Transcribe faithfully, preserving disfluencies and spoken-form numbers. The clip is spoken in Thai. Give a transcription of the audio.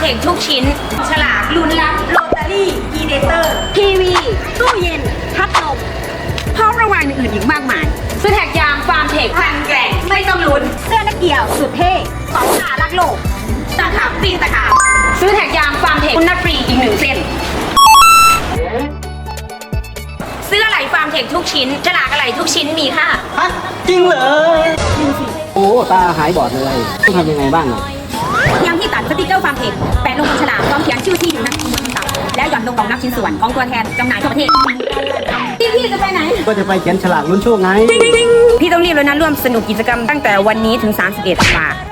เทคทุกชิ้นฉลากลุ้นรับโรตารี่อีเดเตอร์ทีวีตู้เย็นพัดลมพร้อมรางวัลอื่นๆอีกมากมายซื้อแท็กยางฟาร์มเทคพันแกร่งไม่ต้องลุ้นเสื้อนักเกี่ยวสุดเท่สองขารักโลกตะขาบปีนตะขาบซื้อแท็กยางฟาร์มเทคคุณนัดฟรีอีกหนึ่งเส้นซื้ออะไหล่ฟาร์มเทคทุกชิ้นฉลากอะไหล่ทุกชิ้นมีค่ะฮะจริงเหรอโอ้ตาหายบอดเลยต้องทำยังไงบ้างอ่ะยังที่ตัดสติกเกอร์ฟาร์มเทคแปะลงบนฉลากพร้อมเขียนชื่อที่อยู่นักบนตับแล้วหย่อนลงกล่องนับชิ้นส่วนของตัวแทนจำหน่ายทั่วประเทศพี่พี่จะไปไหนก็จะไปเขียนฉลากลุ้นโชคไงพี่ต้องรีบเลยนะร่วมสนุกกิจกรรมตั้งแต่วันนี้ถึงสามสิบเอ็ดธันวาคม